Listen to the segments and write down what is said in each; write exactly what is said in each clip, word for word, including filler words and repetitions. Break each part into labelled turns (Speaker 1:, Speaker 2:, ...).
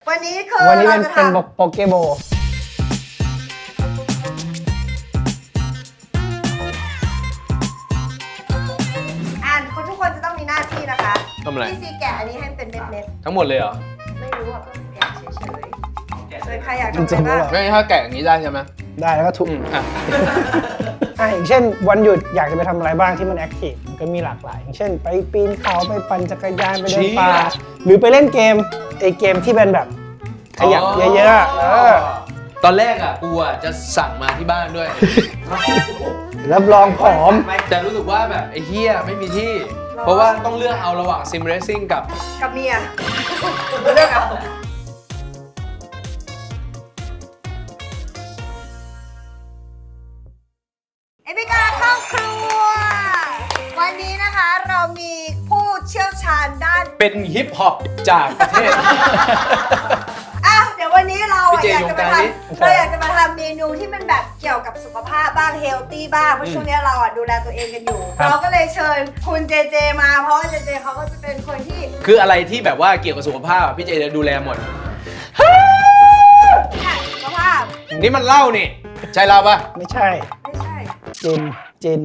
Speaker 1: วันนี้คือ
Speaker 2: วันนี้เป็น
Speaker 1: ราจะ
Speaker 2: เป็น
Speaker 1: ทำ
Speaker 2: โปเกโบ
Speaker 1: อ่านคนทุกคนจะต้องมีหน้าที่นะคะ
Speaker 3: ทำอะไร
Speaker 1: พี่ซีแกะอันนี้ให้เป็นเม็ด
Speaker 3: ทั้งหมดเลยเหรอ
Speaker 1: ๆไม่รู้อ่ะก็แกะเฉยๆเลยใครอยากทำ
Speaker 2: จริง
Speaker 1: อะไร
Speaker 2: ๆ
Speaker 1: บ้าง
Speaker 3: ไม่ถ้าแกะอย่างนี้ได้ใช่ไหม
Speaker 2: ได้แล้วก็ทุก
Speaker 3: อืมอ่ะ
Speaker 2: อ่ะอย่างเช่นวันหยุดอยากจะไปทำอะไรบ้างที่มันแอคทีฟมันก็มีหลากหลาย อย่างเช่น ไปปีนเขาไปปั่นจักรยานไปเดินป่าหรือไปเล่นเกมไอเกมที่เป็นแบบขยับเยอะๆอะเออ
Speaker 3: ตอนแรกอ่ะกูอ่ะจะสั่งมาที่บ้านด้วย
Speaker 2: รับรองผอม
Speaker 3: แต่รู้สึกว่าแบบไอ้เฮียไม่มีที่ เพราะว่าต้องเลือกเอาระหว่างซิมเรซิ่งกับ
Speaker 1: กับเมียเลือกเอาเอพิกาเข้าครัว วันนี้นะคะเรามีผู้เชี่ยวชาญด้าน
Speaker 3: เป็นฮิปฮอปจากประเทศ
Speaker 1: อ่ะเดี๋ยววันนี้เรา
Speaker 3: พี่เจ
Speaker 1: อยากจะมาท
Speaker 3: อยู่กลางนี้
Speaker 1: ำเราอยากจะมาทำเมนูที่มันแบบเกี่ยวกับสุขภาพบ้างเฮลตี้บ้างเพราะช่วงนี้เราอ่ะดูแลตัวเองกันอยู่
Speaker 2: ครับ
Speaker 1: เราก็เลยเชิญคุณเจเจมาเพราะว่าเจเจเขาก็จะเป็นคนที่
Speaker 3: คืออะไรที่แบบว่าเกี่ยวกับสุขภาพอะพี่เจจะดูแลหมด
Speaker 1: สุขภาพ
Speaker 3: นี่มันเหล้านี่ ใช่เหล้าปะ
Speaker 2: ไม่ใช่
Speaker 1: ไม่ใช่
Speaker 2: เจนเจน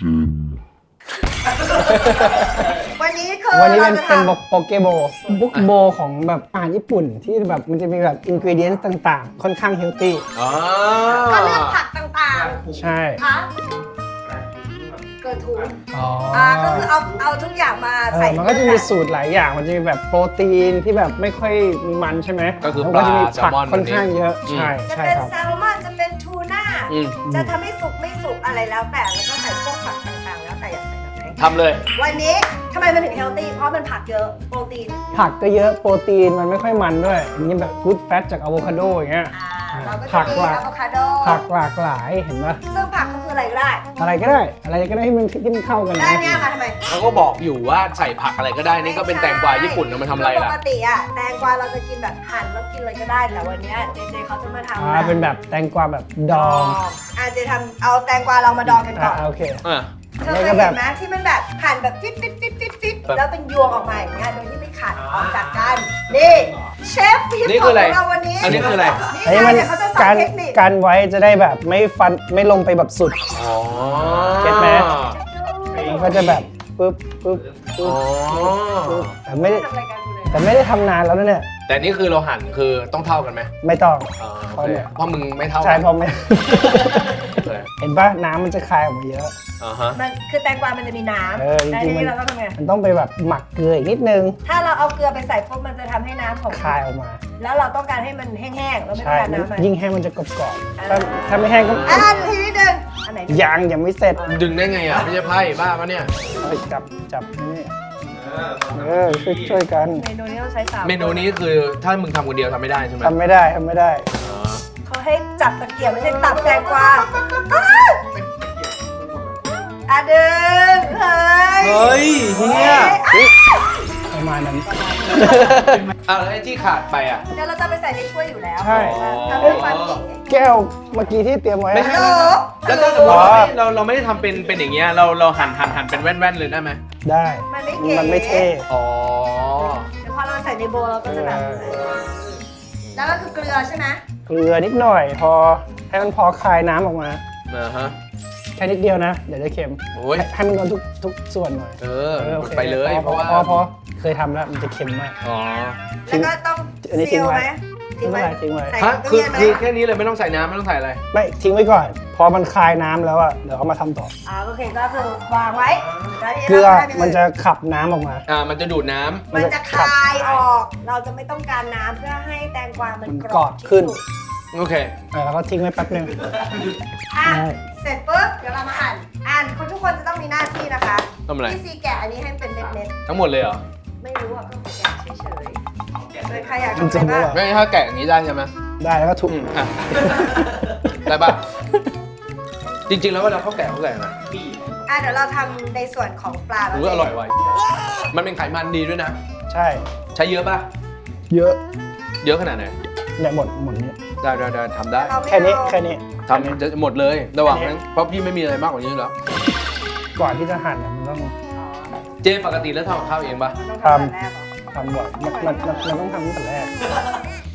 Speaker 1: วันนี้คือ
Speaker 2: วันนี้
Speaker 1: เรา
Speaker 2: เป็น
Speaker 1: จะ
Speaker 2: เป็น
Speaker 1: ทำ
Speaker 2: โปเกโบบุกโบของแบบอาหารญี่ปุ่นที่แบบมันจะมีแบบอินกิเดียนต่างๆ ค่อนข้างเฮลตี้
Speaker 3: อ๋อ
Speaker 1: ก็เลือกผักต่าง
Speaker 2: ใช่
Speaker 1: ๆคะเกิดถูก
Speaker 2: อ๋อ
Speaker 1: อ่าก็คือเอาเอาทุกอย่างมา
Speaker 2: เอ
Speaker 1: ใส่
Speaker 2: อมันก็จะมีสูตรหลายอย่าง มันจะมีแบบโปรตีนที่แบบไม่ค่อยมีมันใช่ไหม
Speaker 3: ก็คือ
Speaker 2: แล้ว
Speaker 3: ปลา
Speaker 2: จะมี
Speaker 3: แซล
Speaker 2: ผัก
Speaker 3: มอน
Speaker 2: ค่อนข้างเยอะ
Speaker 3: อืม
Speaker 2: ใช่
Speaker 1: จะ
Speaker 2: ใช่
Speaker 1: เป็น
Speaker 2: ครับ
Speaker 1: แซลมอนจะเป็นทูน่า
Speaker 3: อืม
Speaker 1: จะทำให้สุกไม่สุกอะไรแล้วแต่แล้วก็ใส่พวกผักต่างๆ แล้วแต่อยากใส่แบบไหน
Speaker 3: ทำเลย
Speaker 1: วันนี้ทำไมมันถึงเฮลตี้เพราะมันผักเยอะโปรตีน
Speaker 2: ผักก็เยอะโปรตีนมันไม่ค่อยมันด้วยมีแบบกู๊ดแฟตจากอะโวคาโดอย่างเงี้ย
Speaker 1: อ่าเราก็
Speaker 2: ผั
Speaker 1: จะ
Speaker 2: ก
Speaker 1: มี
Speaker 2: หลาก
Speaker 1: อะโวคาโด
Speaker 2: ผักหลากหลายเห็นปะ
Speaker 1: ซึ่งผักก็คืออะไรก็ได้
Speaker 2: อะไรก็ได้ อะไรก็ได้ที่มันที่มันเข้ากัน
Speaker 1: ได้
Speaker 2: นะ
Speaker 1: เนี่ยมาทำไม
Speaker 3: เขาก็บอกอยู่ว่าใส่ผักอะไรก็ได้ นี่ก็เป็นแตงกวาญี่ปุ่นเอามาทำอะไร
Speaker 1: ป
Speaker 3: ล่ะ
Speaker 1: กติอะแตงกวาเราจะกินแบบหั่นแล้วกินเลยก็ได้แต่วันเนี้ยเจเจเขาจะมาทำ
Speaker 2: อ่าเป็นแบบแตงกวาแบบดอง
Speaker 1: อ่ะเจทำเอาแตงกวาเรามาดองกันก่
Speaker 2: อ่า
Speaker 1: อน
Speaker 2: โอเค
Speaker 3: อ่ะ
Speaker 1: เธอเคยเห็นไหมที่มันแบบหั่นแบบฟิตฟิตฟิตฟิตฟิต
Speaker 3: แบบ
Speaker 1: แล้วเป็นยวงออกมาอย่างเงี้ยโดยที่ไม่ขาดออกจากกันนี่เชฟฮิป
Speaker 3: นี่
Speaker 1: ข
Speaker 3: คือ อง อะไร
Speaker 1: เราวันนี้
Speaker 3: อันนี้คืออะไร
Speaker 2: อัน
Speaker 1: นี่
Speaker 2: นี้
Speaker 1: ไง
Speaker 2: มัน
Speaker 1: เดี๋ยวเขาจะสอน
Speaker 2: การ
Speaker 1: เทคนิค
Speaker 2: การไว้จะได้แบบไม่ฟันไม่ลงไปแบบสุด
Speaker 3: อ๋อ
Speaker 2: เก็ตไหม มันก็จะแบบปึ๊บปึ๊บปึ๊
Speaker 3: อ๋
Speaker 2: บ
Speaker 3: อ
Speaker 2: ปึ๊บแต่ไม่ได้
Speaker 1: ทำรายการกูเลย
Speaker 2: แต่ไม่ได้ทำนานแล้วนะเนี่ย
Speaker 3: แต่นี่คือเราหั่นคือต้องเท่ากันไหม
Speaker 2: ไม่ต้อง
Speaker 3: อ๋อโอเคเพราะมึงไม่เท่า
Speaker 2: ใช่
Speaker 3: กัน
Speaker 2: เพราะไม่
Speaker 3: โอเค
Speaker 2: เห็นป่ะน้ำมันจะคายออกมาเยอะ
Speaker 3: อ่าฮะ
Speaker 1: มันคือแตงกวามันจะมีน้
Speaker 2: เออ
Speaker 1: ำ
Speaker 2: จริงๆ
Speaker 1: แต่ที
Speaker 2: มัน
Speaker 1: นี้เราต้องทำไง
Speaker 2: มันต้องไปแบบหมักเกลืออีกนิดนึง
Speaker 1: ถ้าเราเอาเกลือไปใส่ปุ๊บมันจะทำให้น้ำของ
Speaker 2: คายออกมา
Speaker 1: แล้วเราต้องการให้มันแห้งๆเราไม่ต้อ
Speaker 2: ใช่
Speaker 1: งการน้ำมัน
Speaker 2: ยิ่งแห้งมันจะกรอบๆถ้าถ้าไม่แห้งก็
Speaker 1: อ่ะดูทีนิดนึงอันไหน
Speaker 2: ยังยังไม่เสร็จ
Speaker 3: ดึงได้ไงอ่ะ ไม่ใช่ไพ่บ้าปะเนี่ย
Speaker 2: เอาจับจับนี่เออช่วยช่วยกัน
Speaker 1: เมนูนี้ต้องใช้สาม
Speaker 3: เมนูนี้คือถ้ามึงทำคนเดียวทำไม่ได้ใช่ไหม
Speaker 2: ทำไม่ได้ทำไม่ได้
Speaker 3: อ๋อ
Speaker 1: เขาให้จับตะเกียบไม่ใช่ตับแตงกวาอ้าวอ่ะดึงเฮ้ย
Speaker 3: เฮ้ยเฮีย
Speaker 1: อ้าว
Speaker 2: ประมาณนั้น
Speaker 3: อ่ะแล้วไอ้ที่ขาดไปอ่ะ
Speaker 1: เดี๋ยวเราจะไปใส่ในถ้วยอยู่แล้ว
Speaker 2: ใช่
Speaker 1: ทำให้ความเก๋
Speaker 2: แก้วเมื่อกี้ที่เตรียมไว้
Speaker 3: ไม่ใช่
Speaker 1: ฮัลโหล
Speaker 3: แล้วถ้าสมมติว่าเราเราไม่ได้ทำเป็นเป็นอย่างเงี้ยเราเราหั่นหั่นหั่นเป็นแว่นๆเลยได้ไหม
Speaker 2: ได้
Speaker 1: มันไม่เก๋
Speaker 2: มันไม่เท่
Speaker 3: อ๋อ
Speaker 1: เดี๋ยวพอเราใส่ในโบว์เราก็จะแบบ
Speaker 2: เออ
Speaker 1: แล้วก็คือเกลือใช่ไหม
Speaker 2: เกลือนิดหน่อย พอให้มันพอคายน้ำออกมา
Speaker 3: อ่าฮะ
Speaker 2: แค่นิดเดียวนะ เดี๋ยวจะเค็ม
Speaker 3: โอ้ย
Speaker 2: ให้ให้มันโดนทุกทุกส่วนหน่อย
Speaker 3: เออ
Speaker 2: โอค
Speaker 3: ไปเลย
Speaker 2: พอ
Speaker 3: เพราะว่า
Speaker 2: พอพอเคยทำแล้วมันจะเค็มมาก
Speaker 3: อ๋อ
Speaker 1: แล้วก็ต้อง
Speaker 2: อันนี้ทิ้
Speaker 1: ซี
Speaker 2: ง
Speaker 1: ล
Speaker 2: ไว้
Speaker 1: ไหมทิ้งไว้
Speaker 2: ไม่เป็นไรทิ้งไว้
Speaker 1: ใส่
Speaker 3: ฮะ
Speaker 1: ตู้
Speaker 3: คือ
Speaker 1: เย็นไหม
Speaker 3: คือแค่นี้เลยไม่ต้องใส่น้ำไม่ต้องใส่อะไร
Speaker 2: ไม่ทิ้งไว้ก่อน พอมันคายน้ำแล้วอะเดี๋ยวเอามาทำต่อ
Speaker 1: อ่าโอเคก็คือวางไว้แล้วทีนี้
Speaker 2: เกลือ
Speaker 1: ราทำย่าง
Speaker 2: มันจะขับน้ำออกมา
Speaker 3: อ่า มันจะดูดน้ำ
Speaker 1: มันจะคายออก เราจะไม่ต้องการน้ำเพื่อให้แตงกวามัน
Speaker 2: มัน
Speaker 1: ก
Speaker 2: ก
Speaker 1: ร
Speaker 2: ร
Speaker 1: อ
Speaker 2: อ
Speaker 1: บบ
Speaker 2: ขึ้น
Speaker 1: ที่สุด
Speaker 3: โอเค
Speaker 2: เออแล้วก็ทิ้งไว้แป๊บนึง
Speaker 1: อ่ะ
Speaker 2: ได้
Speaker 1: เสร็จปุ๊บเดี๋ยวเรามาอ่านอ่านคนทุกคนจะต้องมีหน้าที่นะคะ
Speaker 3: ทำอะไร
Speaker 1: พี่ซีแกะอันนี้ให้เป็นเม็ด
Speaker 3: ทั้งหมดเลยเหรอ
Speaker 1: ๆไม่รู้อ่ะก็แกะเฉยๆเลยใครอยาก
Speaker 2: จ
Speaker 1: ทำ
Speaker 2: ริ
Speaker 1: อะไร
Speaker 2: งๆแล้ว
Speaker 1: บ้าง
Speaker 2: เหรอ
Speaker 3: ไม่ถ้าแกะอย่างนี้ได้ใช่ไหม
Speaker 2: ได้แล้วก็ทุบ
Speaker 3: อืมอ่ะ ได้ปะจริงๆ แล้วเวลาเขาแกะเขาแกะนะ
Speaker 1: อ่ะเดี๋ยวเราทำในส่วนของปลา
Speaker 3: รู้อร่อยไวะมันเป็นไขมันดีด้วยนะ
Speaker 2: ใช่
Speaker 3: ใช้เยอะปะ
Speaker 2: เยอะ
Speaker 3: เยอะขนาดไหน
Speaker 2: เนี่ยหมดหมดนี้
Speaker 3: ได้ได้ได้ทำได้
Speaker 1: เราไม่
Speaker 2: แค่นี้
Speaker 1: เอา
Speaker 2: แค่นี้
Speaker 3: ทำจะหมดเลย ระหว่างนั้น เพราะพี่ไม่มีอะไรมากกว่านี้อยู่แล้ว
Speaker 2: ก่อนที่จะหั่นเนี่ยมันต้อง
Speaker 3: เจปกติแล้วทำกับข้าวเองปะ
Speaker 1: มันต้องทำแต่แรกเหรอ
Speaker 2: ทำบ่อยมันมันมันมันต้องทำตั้งแต่แรก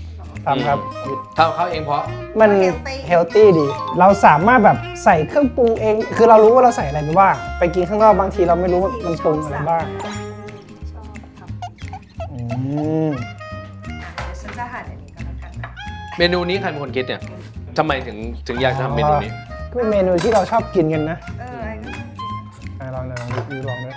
Speaker 2: ทำครับ
Speaker 3: ทำเขาเองเพราะ
Speaker 2: มันเฮลตี้ดี เราสามารถแบบใส่เครื่องปรุงเอง คือเรารู้ว่าเราใส่อะไรไปบ้างไปกินข้างนอกบางทีเราไม่รู้ว่ามันปรุงอะไรบ้าง
Speaker 1: ชอบครับ
Speaker 2: อืม
Speaker 1: เดี๋ยวฉันจะหั่นอันนี้ก็แล้วกันนะ
Speaker 3: เมนูนี้ใครเป็นคนคิดเนี่ยทำไมถึงถึงอยากทำเมนูนี้
Speaker 2: ก็เป็นเมนูที่เราชอบกินกันนะ
Speaker 1: เออไอ้นี่
Speaker 2: อ่ะลองลองดูลองด้วย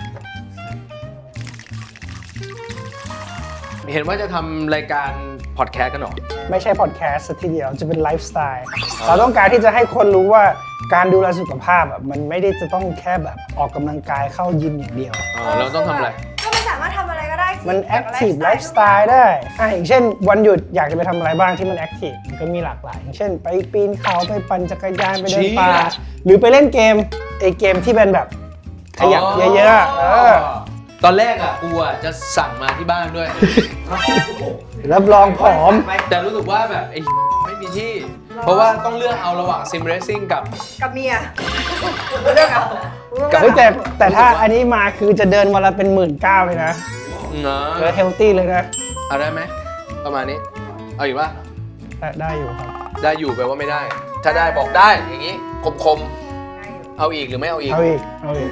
Speaker 3: เห็นว่าจะทำรายการพอดแคสต์กันเหรอ
Speaker 2: ไม่ใช่พอดแคสต์ซะทีเดียวจะเป็นไลฟ์สไตล์ เราต้องการที่จะให้คนรู้ว่าการดูแลสุขภาพแบบมันไม่ได้จะต้องแค่แบบออกกำลังกายเข้ายิมอย่างเดียว
Speaker 3: อ๋อเราต้องทำอะไร
Speaker 1: ก็มันสามารถทำอะไรก็ได้ที่
Speaker 2: มันแอคทีฟไลฟ์สไตล์
Speaker 1: ได้
Speaker 2: ได้อ่ะอย่างเช่นวันหยุดอยากจะไปทำอะไรบ้างที่มันแอคทีฟมันก็มีหลากหลาย อย่างเช่นไปปีนเขาไปปั่นจักรยานไปเดินป่า
Speaker 3: เชี่ย
Speaker 2: หรือไปเล่นเกมไอเกมที่เป็นแบบขยับเยอะๆอะเออ
Speaker 3: ตอนแรกอ่ะกูอ่ะจะสั่งมาที่บ้านด้วย
Speaker 2: รับรองผอม
Speaker 3: แต่รู้สึกว่าแบบไอ้ไม่มีที่ เพราะว่าต้องเลือกเอาระหว่างซิมเรซซิ่งกับ
Speaker 1: กับเมียเลือกเอา
Speaker 3: กับ
Speaker 2: เฮ้ยแต่แต่ถ้าอันนี้มาคือจะเดินวันละเป็นหมื่นเก้าเลยนะ
Speaker 3: เนาะ
Speaker 2: เออเฮลตี้เลยนะ
Speaker 3: เอาได้ไหมประมาณนี้ เอาอยู่ปะ
Speaker 2: ได้ได้อยู่ครับ
Speaker 3: ได้อยู่แปลว่าไม่ได้ ถ้าได้บอกได้อย่างนี้คมๆเอาอีกหรือไม่เอาอีก
Speaker 2: เอาอีกเอาอีก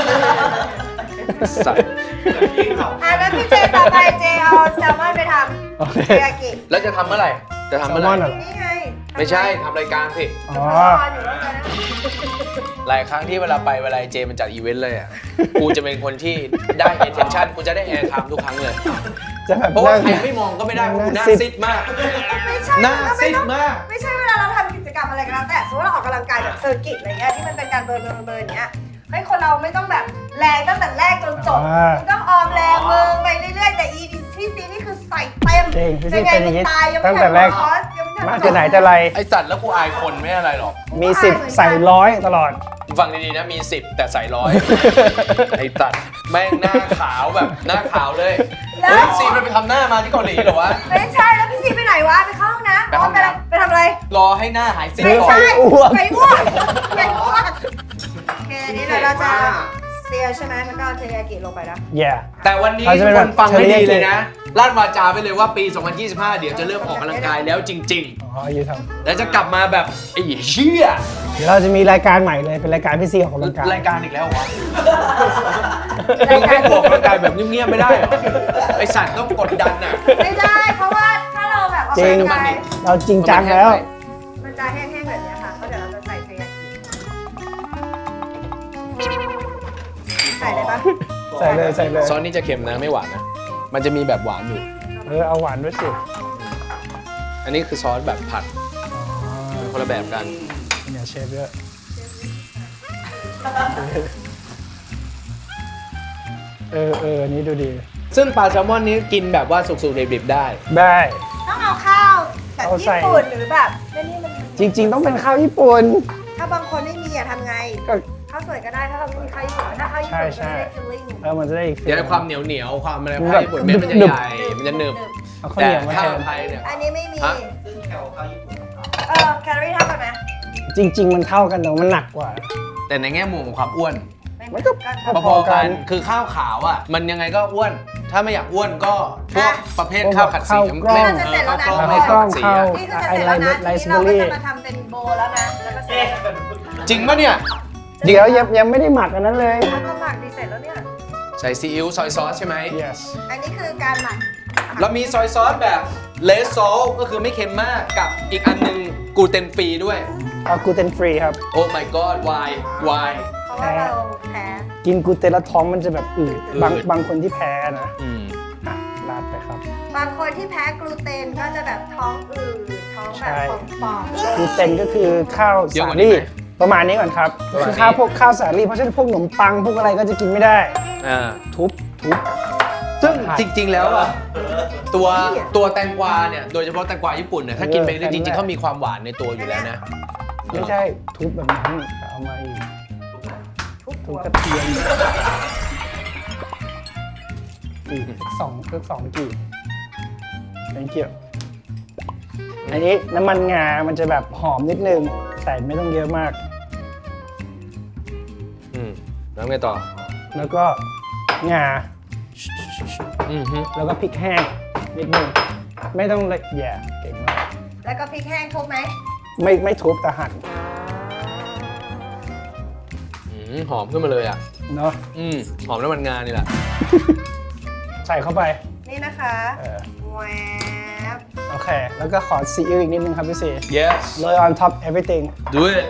Speaker 3: สัตว์
Speaker 1: อ่ะแล้วพี่เจต่อไปเจเอาแซลมอนไปท
Speaker 2: โอเค
Speaker 1: ำเทยากิ
Speaker 3: แล้วจะทำเมื่อไหร่ จะทำเมื่อไห
Speaker 2: แซลม
Speaker 3: ร่
Speaker 2: อนเหรอ
Speaker 1: นี่ไง
Speaker 3: ไม่ใช่ทำรายการสิ
Speaker 2: อ๋อ
Speaker 1: รออยู่แล้วกันนะ
Speaker 3: หลายครั้งที่เวลาไปเวลาเจมันจัดอีเวนต์เลยอ่ะ กูจะเป็นคนที่ได้ attention กูจะได้ air time ทุกครั้งเลย
Speaker 2: จะแบบ
Speaker 3: เพราะว่า
Speaker 2: นั่ง
Speaker 3: ใครไม่มองก็ไม่ได้เพราะกูหน้า
Speaker 2: นั่งซิด
Speaker 3: ซิดมาก
Speaker 1: ไม่ใช่
Speaker 3: หน้า
Speaker 1: ก็
Speaker 3: ซิ
Speaker 1: ไม่
Speaker 3: ด
Speaker 1: ต้อง
Speaker 3: มาก
Speaker 1: ไม่ใช่เวลาเราทำกิจกรรมอะไรก็แล้วแต่สมมติเราออกกำลังกายแบบเซอร์กิตอะไรเงี้ยที่มันเป็นการเบิร์นเบิร์นเบิร์นอย่างเงี้ยให้คนเราไม่ต้องแบบแรงตั้งแต่แรกจนจบ
Speaker 2: อ่า
Speaker 1: มันต้องออมแรงมือไปเรื่อยๆแต่อีพี่ซีนี่คือใส่เต็ม
Speaker 2: เก่งพี่ซี
Speaker 1: ยังไง
Speaker 2: เป็นอย่างงี้
Speaker 1: ตายยังไม่
Speaker 2: ตั้งแต่แรก
Speaker 1: ทันคอร์สยังไม่ทัน
Speaker 2: มาจะไหนจะไร
Speaker 3: ไอสัตว์แล้วกูอายคนไม่อะไรหรอก
Speaker 2: มีสิบใส่ร้อยตลอด
Speaker 3: ฟังดีๆนะมีสิบแต่ใส่ร้อย ไอตัดแม่งหน้าขาวแบบหน้าขาวเลย
Speaker 1: แล้ว
Speaker 3: เฮ้ยซีมันไปทำหน้ามาที่เกาหลีเหรอวะ
Speaker 1: ไม่ใช่แล้วพี่ซีไปไหนวะไปเข้าห้องน้ำ
Speaker 3: ไปห้อง
Speaker 1: ไป
Speaker 3: น้ำ
Speaker 1: ไปทำอะไร
Speaker 3: รอให้หน้าหายซีด
Speaker 2: ไม่
Speaker 3: ก่อ
Speaker 2: ใช่
Speaker 3: น
Speaker 2: อ้วก
Speaker 1: ไปอ้วกไปอ้วกโอเคอันนี้เดี๋ยวเราจะเซียใช่ไหมแล้วก็เอาเทยากิลงไปนะ
Speaker 2: แย่
Speaker 3: แต่วันนี้
Speaker 2: เราจะ
Speaker 3: ทุ
Speaker 2: เป็
Speaker 3: ก
Speaker 2: น
Speaker 3: ค
Speaker 2: แบบ
Speaker 3: นฟังให้ดี
Speaker 2: เทอริยากิ
Speaker 3: เลยนะลั่นวาจาไปเลยว่าปี สองพันยี่สิบห้า เดี๋ยวจะเริ่มออกกำลังกายแล้วจริง
Speaker 2: อ๋ออยู่ท
Speaker 3: ๆ แล้วจะกลับมาแบบไอ้เชี่ย
Speaker 2: ำเดี๋ยวเราจะมีรายการใหม่เลยเป็นรายการพี่ซีออกกำลังกาย
Speaker 3: รายการอีกแล้วเหรอวะมึงให้กูออกกำลังกายแบบเงียบๆไม่ได้เหรอไอสัตว์ต้องกดดันอ่ะ
Speaker 1: ไม่ได้เพราะว่าถ้าเราแบบออก
Speaker 2: จริง
Speaker 1: กำลังกาย
Speaker 2: เราจริงจังแล้ว
Speaker 1: มันจะแห้งๆแบบเนี้ยค่ะเพราะเดี๋ยวเราจะใส่เทยากิใส่เลยปะ
Speaker 2: ใส่เลยใส่เลย
Speaker 3: ซอสนี่จะเค็มนะไม่หวานนะ มันจะมีแบบหวานอยู่
Speaker 2: เออเอาหวานด้วยสิ
Speaker 3: อันนี้คือซอสแบบผัด
Speaker 2: อ๋อ
Speaker 3: คนละแบบกัน
Speaker 2: เนี่ยเชฟเยอะเออเอออันนี้ดูดี
Speaker 3: ซึ่งปลาแซลมอนนี้กินแบบว่าสุกๆดิบๆได้
Speaker 2: ได้
Speaker 1: ต้องเอาข้าวแบบ
Speaker 2: เอาใส่
Speaker 1: ญี่ปุ่นหรือแบบนี่นี่มัน
Speaker 2: จริง ๆ ต้องเป็นข้าวญี่ปุ่น
Speaker 1: ถ้าบางคนไม่มีอะทำไง
Speaker 2: ก็
Speaker 1: ข้าวสวยก็ได้ถ้าเราไม่มีข้าวญี่ปุ่นถ้าข้าวญี่ปุ่น
Speaker 2: ใช่
Speaker 1: ก็
Speaker 2: ใช่
Speaker 1: ได้ฟิลลิ่ง
Speaker 2: เออมันจะได้อีก
Speaker 3: เดี๋ยวความเหนียวเหนียวๆความอะไรผ้าญี่ปุ่นเม็ดมันจะ
Speaker 2: หนึบ
Speaker 3: ใหญ่ มันจะหนึบ
Speaker 2: เอาข้าว
Speaker 3: แต่
Speaker 2: เหนียวมา
Speaker 3: ข้า
Speaker 2: แท
Speaker 3: วน ไทยเนี่ย
Speaker 1: อันนี้ไม่มี
Speaker 3: ฮะ
Speaker 1: เออแคลอรี่เท่ากันไหม
Speaker 2: จริง ๆ มันเท่ากันแต่ว่ามันหนักกว่า
Speaker 3: แต่ในแง่มุมของความอ้วน
Speaker 1: ไม่
Speaker 2: มันก็
Speaker 1: ก็
Speaker 3: พอๆกัน คือข้าวขาวอ่ะ มันยังไงก็อ้วน ถ้าไม่อยากอ้วนก็พวกประเภทข้าวขัดสี
Speaker 2: ข้าวกล้อง
Speaker 3: ไม่
Speaker 1: จะเสร็จแล้วนะ
Speaker 3: ข้าวกล้อง
Speaker 2: ข้าว
Speaker 3: ไม่
Speaker 2: กล้
Speaker 3: ข้าว
Speaker 2: อง
Speaker 3: ขัดสี
Speaker 2: ข้าว
Speaker 3: อะ
Speaker 1: นี่ก็จะเสร็จแล้วนะ
Speaker 2: ไล
Speaker 1: ที
Speaker 2: ซ์
Speaker 1: นี้เรา
Speaker 2: เบอร์รี่
Speaker 1: ก็จะมาทำเป็นโบว์แล้วนะแล้วก็เสร็จ
Speaker 3: จริงปะเนี่ย
Speaker 2: เดี๋ยวยังยังไม่ได้หมักอันนั้นเลย
Speaker 1: แล้วก็หมักดีเสร็จแล้วเนี่ย
Speaker 3: ใส่ซีอิ๊วซอยซอสใช่ไหม
Speaker 2: yes
Speaker 1: อันนี้คือการหมัก
Speaker 3: เรามีซอยซอสแบบเลสซอลก็คือไม่เค็มมากกับอีกอันหนึงกลูเตนฟรีด้วย
Speaker 2: เอากลูเตนฟรีครับ
Speaker 3: โอ้ my god why why
Speaker 1: เพราะว่าเราแพ้
Speaker 2: กินกลูเตนแล้วท้องมันจะแบบอืด
Speaker 3: อืด
Speaker 2: บางบางคนที่แพ้นะ
Speaker 3: อืม
Speaker 2: อ่ะราดไปครับ
Speaker 1: บางคนที่แพ้กลูเตนก็จะแบบท้องอืดท้องแบบป่อง
Speaker 2: กลูเตนก็คือข้าว
Speaker 3: เยอะ
Speaker 2: สาก
Speaker 3: ว่านี้
Speaker 2: ลี่
Speaker 3: ไหม
Speaker 2: ประมาณนี้ก่อนครับ
Speaker 3: ประมาณนี้
Speaker 2: คือข้าวพวกข้าวสาลี่เพราะฉะนั้นพวกขนมปังพวกอะไรก็จะกินไม่ได้
Speaker 3: อ่า
Speaker 2: ทุบทุบ
Speaker 3: ซึ่งจริง ๆ แล้วอ่ะตัวตัวแตงกวาเนี่ยโดยเฉพาะแตงกวาญี่ปุ่นเนี่ยถ้ากินไปเรื่อยๆจริงๆเขามีความหวานในตัวอยู่แล้วนะ
Speaker 2: ไม่ใช่ทุบแบบนั้นเอามาอีก
Speaker 1: ทุก
Speaker 2: ทุ
Speaker 1: หั
Speaker 2: บ
Speaker 1: ว
Speaker 2: กระเทียมอีกสักสองสักสองกีบ thank you อันนี้น้ำมันงา มันจะแบบหอมนิดนึงแต่ไม่ต้องเยอะมาก
Speaker 3: อืมแล้วไงต่อ
Speaker 2: แล้วก็งา
Speaker 3: อืมฮึ
Speaker 2: แล้วก็พริกแห้งนิดนึง ไม่ต้องละเอียดเก่งมาก
Speaker 1: แล้วก็พริกแห้งทุบไหม
Speaker 2: ไม่ไม่ทุบแต่หั่น
Speaker 3: อืมหอมขึ้นมาเลยอ่ะ
Speaker 2: เนาะ
Speaker 3: อืมหอมน้ำมันงานี่แหละ
Speaker 2: ใส่เข้าไป
Speaker 1: นี่นะคะ
Speaker 2: เออ
Speaker 1: แหวบ
Speaker 2: โอเค แล้วก็ขอซีอิ๊วอีกนิดนึงครับพี่ซี
Speaker 3: yes
Speaker 2: โรย on top everything
Speaker 3: do it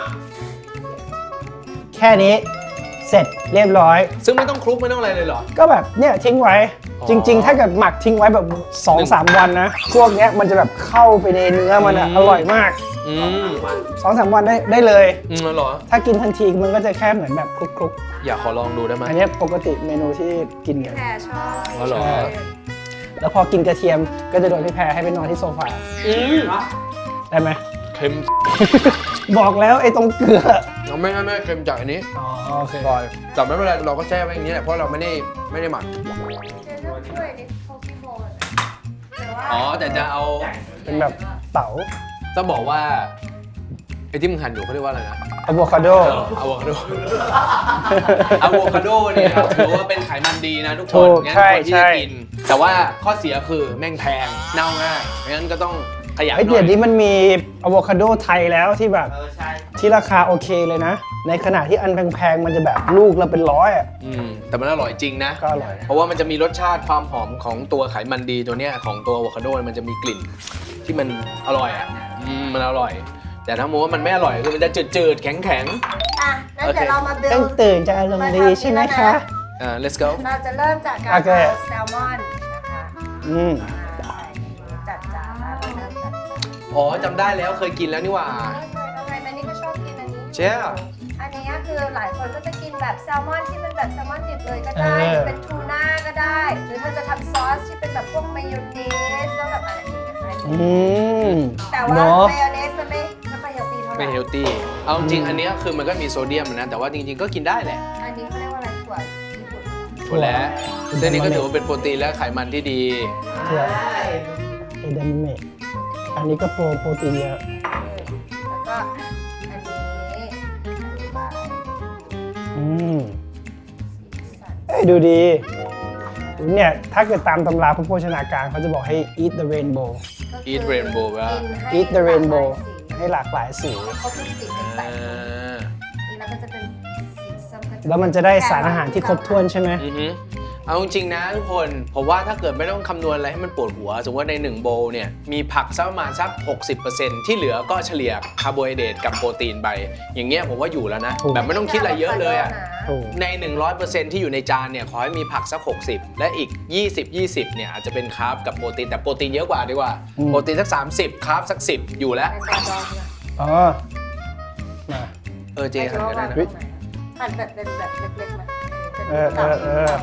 Speaker 2: แค่นี้เสร็จเรียบร้อย
Speaker 3: ซึ่งไม่ต้องคลุกไม่ต้องอะไรเลยเหรอ
Speaker 2: ก็แบบเนี่ยทิ้งไว้
Speaker 3: อ๋อ
Speaker 2: จริง ๆ ถ้าเกิดหมักทิ้งไว้แบบสองสามวันนะ พวกเนี้ยมันจะแบบเข้าไปในเนื้อมันอะ
Speaker 3: อืม
Speaker 2: อร่อยมาก
Speaker 3: อืม
Speaker 2: สองสามวันได้ได้เลย
Speaker 3: อืมเหรอ
Speaker 2: ถ้ากินทันทีมันก็จะแค่เหมือนแบบคลุก
Speaker 3: อยากขอลองดูได้ไหม
Speaker 2: ๆ อันเนี้ยปกติเมนูที่กินกัน
Speaker 1: แพรชอบ
Speaker 3: อ๋อเหรอ
Speaker 2: ใช่ แล้วพอกินกระเทียมก็จะโดนพี่แพรให้ไปนอนที่โซฟา
Speaker 3: อืม
Speaker 2: ได้ไหม
Speaker 3: เค็ม
Speaker 2: บอกแล้วไอ้ตรงเกลือ
Speaker 3: เราไม่ไม่ไม่เค็มจากอันนี้
Speaker 2: อ๋อโอเค
Speaker 3: ซอยแต่ไม่เป็นไรเราก็แช่ไว้อย่างนี้แหละเพราะเราไม่ได้ไม่ได้หมัก
Speaker 1: เจ๊ต้องช่วยนิดโคกี้โบนแต่ว่า
Speaker 3: อ๋อแต่จะเอา
Speaker 2: เป็นแบบเต๋า
Speaker 3: ต้องบอกว่าไอ้ที่มึงหั่นอยู่เขาเรียกว่าอะไรนะ
Speaker 2: อะโวคาโด
Speaker 3: อะโวคาโด อะโวคาโดเนี่ยถือว่าเป็นไขมันดีนะทุกค
Speaker 2: ถู
Speaker 3: น
Speaker 2: ก
Speaker 3: งั้น
Speaker 2: ใช่
Speaker 3: ควรที่
Speaker 2: ใช่
Speaker 3: จะกิน แต่ว่าข้อเสียคือแม่งแพงเน่าง่ายงั้นก็ต้องขยันห
Speaker 2: ไอ้
Speaker 3: น่
Speaker 2: เดี๋
Speaker 3: อย
Speaker 2: วย นี้มันมีอะโวคาโดไทยแล้วที่แบบ
Speaker 4: เออใช่
Speaker 2: ที่ราคาโอเคเลยนะ ในขณะที่อันแพงๆมันจะแบบลูกละเป็นร้อยอ่ะ
Speaker 3: อืมแต่มันอร่อยจริงนะ
Speaker 2: ก็อร่อย
Speaker 3: เพราะว่ามันจะมีรสชาติความหอมของตัวไขมันดีตัวเนี้ยของตัวอะโวคาโดมันจะมีกลิ่นที่มันอร่อยอ่ะอืมมันอร่อย แต่ถ้าโมว่ามันไม่อร่อยคือมันจะจืดๆแข็ง
Speaker 1: อ่ะงั้นเดี๋ยวเรามาเบ
Speaker 2: ต้
Speaker 1: ล
Speaker 2: องตื่นจะอารมณ์ดีใช่ไหมคะ
Speaker 3: ๆอ่า let's go
Speaker 1: เราจะเริ่มจากการ
Speaker 2: โอเค
Speaker 1: เอาแซลมอนนะคะ
Speaker 2: อืม
Speaker 1: มาใส่จัดจานแล้วเราเริ่มจัดจาน
Speaker 3: อ๋อจำได้แล้วเคยกินแล้วนี่หว่า
Speaker 1: ทำไมแมนนี่ก็ชอบกินอันนี้
Speaker 3: เชี่ย
Speaker 1: อันนี้คือหลายคนก็จะกินแบบแซลมอนที่เป็นแบบแซลมอนดิบเลยก็ได้หรือเป็นทูน่าก็ได้ หรือถ้าจะทำซอสที่เป็นแบบพวกมายองเนสแล้วแบบอะไรอย่างเงี้ยได้
Speaker 2: อืม
Speaker 1: แต่ว่า
Speaker 2: เนาะ
Speaker 1: มายองเนสมันไม่ไม่ค่อยเฮลตี้เท่าไห
Speaker 3: ไม่
Speaker 1: ร่
Speaker 3: เฮลตี้ เอาจริงๆอันเนี้ยคือมันก็มีโซเดียมนะ แต่ว่าจริงๆก็กินได้แหละ
Speaker 1: อันนี้เขาเรียกว่าอะไรถั่วญี่ปุ่น
Speaker 3: ถั่วแล้วเส้นนี้ก็ถือว่าเป็นโปรตีนและไขมันที่ดี
Speaker 2: ถั่วเอเดนเมะอันนี้ก็โปรโปรตีนเยอะ
Speaker 1: แล้วก็อันนี้ใส่
Speaker 2: อืม
Speaker 1: สีสัน
Speaker 2: เอ้ยดูดี เนี่ย ถ้าเกิดตามตำราพระโภชนาการเขาจะบอกให้ eat the rainbow
Speaker 1: ก็คือ
Speaker 3: Eat rainbow ว่า
Speaker 1: กินให้
Speaker 2: eat the rainbow
Speaker 1: หลากหลายสี
Speaker 2: ให้หลากหลายสี
Speaker 1: เขาเป็นสีเป็นแป
Speaker 3: อ่
Speaker 1: ด
Speaker 3: า
Speaker 1: นี่แล้วก็จะเป็นสีส้มก็
Speaker 2: แล้วมันจะได้สารอาหารที่ครบถ้วนใช่ไหม
Speaker 3: อือฮึเอาจริงๆนะทุกคน ผมว่าถ้าเกิดไม่ต้องคำนวณอะไรให้มันปวดหัว สมมติว่าในหนึ่งโบว์เนี่ย มีผักสักประมาณสัก หกสิบเปอร์เซ็นต์ ที่เหลือก็เฉลี่ยคาร์โบไฮเดรตกับโปรตีนไป อย่างเงี้ยผมว่าอยู่แล้วนะ
Speaker 2: ถูก
Speaker 3: แบบไม่ต้องคิดอะไรเยอะเลยอ่ะ
Speaker 2: ถูก
Speaker 3: ใน หนึ่งร้อยเปอร์เซ็นต์ ที่อยู่ในจานเนี่ยขอให้มีผักสัก หกสิบ และอีก ยี่สิบ ยี่สิบ เนี่ยอาจจะเป็นคาร์บกับโปรตีน แต่โปรตีนเยอะกว่าดีกว่า
Speaker 2: อืม
Speaker 3: โปรตีนสัก สามสิบ คาร์บสัก สิบ อยู่แล้ว
Speaker 1: เป็นจานดองเนี่ย
Speaker 2: อ๋อมา
Speaker 3: เออเจหั่นก็ได้นะ
Speaker 1: หั่นแบบเป็นแบบเล็กๆมา
Speaker 2: เออเออเออ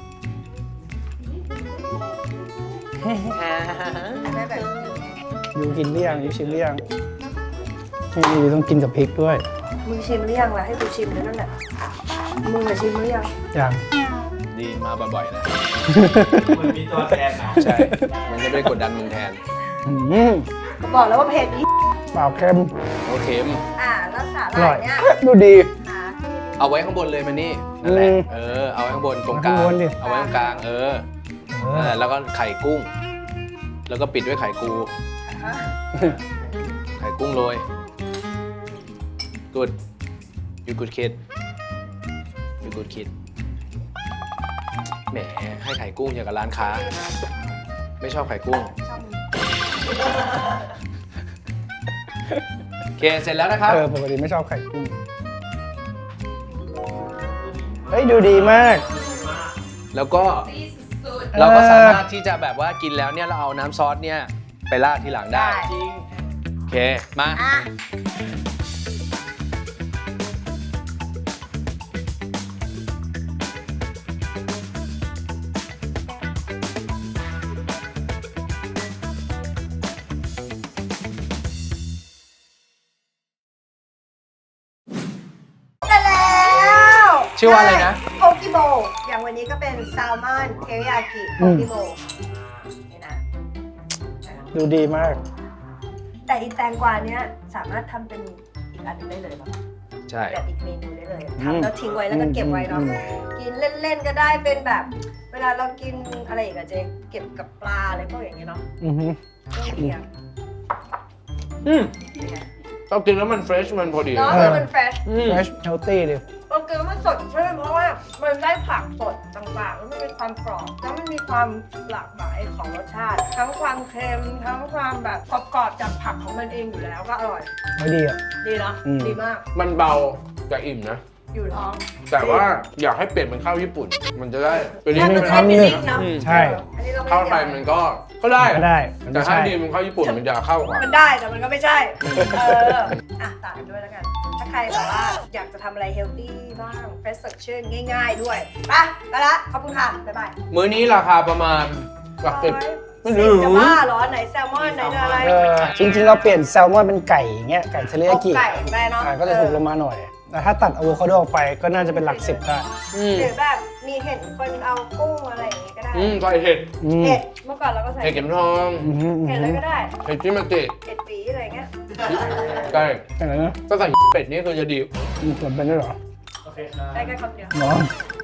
Speaker 1: ได้แบบ
Speaker 2: ยูกินหรือยังยูชิมหรือยังนี่ยูต้องกินกับพริกด้วย
Speaker 1: มึงชิมหรือยังล่ะให้กูชิมด้วยนั่นแหละมึงอะชิมหรือยัง
Speaker 2: อย่าง
Speaker 3: ดีมาบ่อยๆนะ
Speaker 4: มันมีตัวแทนนะ
Speaker 3: ใช่ มันจะไม่ได้กดดันมึงแทน
Speaker 2: อืม
Speaker 1: ก็บอกแล้วว่าเผ็ดอี
Speaker 2: เปล่าเค็ม
Speaker 3: โอเคม
Speaker 1: อ่าแล้วสา
Speaker 2: อ
Speaker 1: หร่า
Speaker 2: ร่อย
Speaker 1: ยเนี่ย
Speaker 2: ดูดี
Speaker 1: หาที่
Speaker 3: เอาไว้ข้างบนเลยมันนี่นั่นแหละ
Speaker 2: อืม
Speaker 3: เออ เอาไว้ข้างบนตรงกลาง
Speaker 2: เอาข้างบนดิ
Speaker 3: เอาไว้ตรงกลาง เออ
Speaker 2: เอ
Speaker 3: นั่นแห
Speaker 2: อ
Speaker 3: ละแล้วก็ไข่กุ้ง แล้วก็ปิดด้วยไข่กู ไข่กุ้งโรย good you good kid you good kid แหมให้ไข่กุ้งอย่างกับร้านค้า ไม่ชอบไข่กุ้ง
Speaker 1: ชอบมึง
Speaker 3: โอเค เสร็จแล้วนะครับ
Speaker 2: เออปกติไม่ชอบไข่กุ้งเฮ้ยดูดีมาก
Speaker 3: แล้วก็เราก็สามารถที่จะแบบว่ากินแล้วเนี่ยเราเอาน้ำซอสเนี่ยไปราดทีหลังได้
Speaker 1: จริง
Speaker 3: โอเค มา
Speaker 1: อ่ะ ได้แล้ว
Speaker 3: ชื่อว่าอะไรนะ
Speaker 1: โพกิโบอย่างวันนี้ก็เป็นแซลมอนเทริยากิโพกิโบนี่นะ
Speaker 2: ดูดีมาก
Speaker 1: แต่อีแตงกวาเนี้ยสามารถทำเป็นอีกอันหนึงได้เลยป่ะ
Speaker 3: ใช่
Speaker 1: แบบอีกเมนูได้เลย
Speaker 2: อืม
Speaker 1: ทำแล้วทิ้งไว้แล้วก็เก็บไว้เนาะ
Speaker 2: อืม
Speaker 1: กินเล่นๆก็ได้เป็นแบบ เวลาเรากินอะไรอีกอะเจ๊เก็บกับปลาอะไรพวกอย่างเงี้ยเนาะ
Speaker 2: อือฮึ
Speaker 1: เครื่องเคียง
Speaker 3: อืมเรากินแล้วมันเฟรชมันพอดี
Speaker 1: เนาะ
Speaker 2: เออ
Speaker 1: คือมันเฟรช
Speaker 3: อืม
Speaker 2: fresh healthy ดิ
Speaker 1: เรากินแล้วมันสดชื่นเพราะว่ามันได้ผักสดต่างๆแล้วมันมีความกรอบแล้วมันมีความหลากหลายของรสชาติ ทั้งความเค็มทั้งความแบบกรอบๆจากผักของมันเองอยู่แล้วก็อร่อย
Speaker 2: ไม่ดีอ่ะ
Speaker 1: ดีเนาะ
Speaker 2: อืม
Speaker 1: ดีมาก
Speaker 3: มันเบาแต่อิ่มนะ
Speaker 1: อยู่ท้อง
Speaker 3: แต่ว่าอยากให้เปลี่ยนเป็นข้าวญี่ปุ่น มันจะได้เป็น
Speaker 1: ถ้า
Speaker 3: นี่
Speaker 1: มัน
Speaker 3: เป็น
Speaker 1: ได้
Speaker 3: ข้าว
Speaker 1: ฟิล
Speaker 3: ญี่
Speaker 1: ลิ่
Speaker 3: ปุ่
Speaker 1: ง
Speaker 3: น
Speaker 1: เนาะ
Speaker 3: อืม
Speaker 2: ใช่
Speaker 1: อันนี้เราไม่
Speaker 3: ข้าวไทยมันก็ก็ได้
Speaker 2: ก็ได้มัน
Speaker 3: แต่
Speaker 2: ไม่
Speaker 3: ถ้า
Speaker 2: ใช่
Speaker 3: ดีเป็นข้าวญี่ปุ่นมันจะเข้ากว่า
Speaker 1: มันได้แต่มันก็ไม่ใช่ เออ อ่ะต่างกันด้วยแล้วกัน ถ้าใครแบบว่าอยากจะทำอะไรเฮลตี้บ้างเฟรชสดชื่นง่ายๆด้วยไปไปละขอบคุณค่ะ บ๊ายบาย
Speaker 3: มื้อนี้ราคาประมาณหลักสิบ ไม่
Speaker 1: สิ
Speaker 3: รู้
Speaker 1: บจะบ้าเหรอ ไหนแซลมอนไหนเนื้ออะไร
Speaker 2: เออจริงๆ เราเปลี่ยนแซลมอนเป็นไก่อย่างเงี้ยไก่เทริยากิ
Speaker 1: ไก่แม่เนาะ
Speaker 2: อ่าก็จะถูกลงมาหน่อย แต่ถ้าตัดอะโวคาโดออกไปก็น่าจะเป็นหลักสิบได้
Speaker 3: อืม
Speaker 1: หรือแบบมีเห็ดคนเอากุ้งอะไรอย่างงี้ก็ได้
Speaker 3: อืมใส่เห็ด
Speaker 2: อืม
Speaker 1: เห็ดเมื่อก่อนเราก็ใส่
Speaker 3: เห็ดเข็มทอง
Speaker 2: อืมอืม
Speaker 1: เห็ดเลยก็ได้
Speaker 3: เห็ดจิมาจิ
Speaker 1: เห็ดปีอะไรเงี้ย
Speaker 3: ใช่
Speaker 2: อะไรนะ
Speaker 3: ถ้าใส่เป็ดนี่คือจะดี
Speaker 2: อืมมันเป็นด้วยเหรอ
Speaker 4: โอเคครับ
Speaker 1: ได้แค่คำเดียว
Speaker 2: เนาะ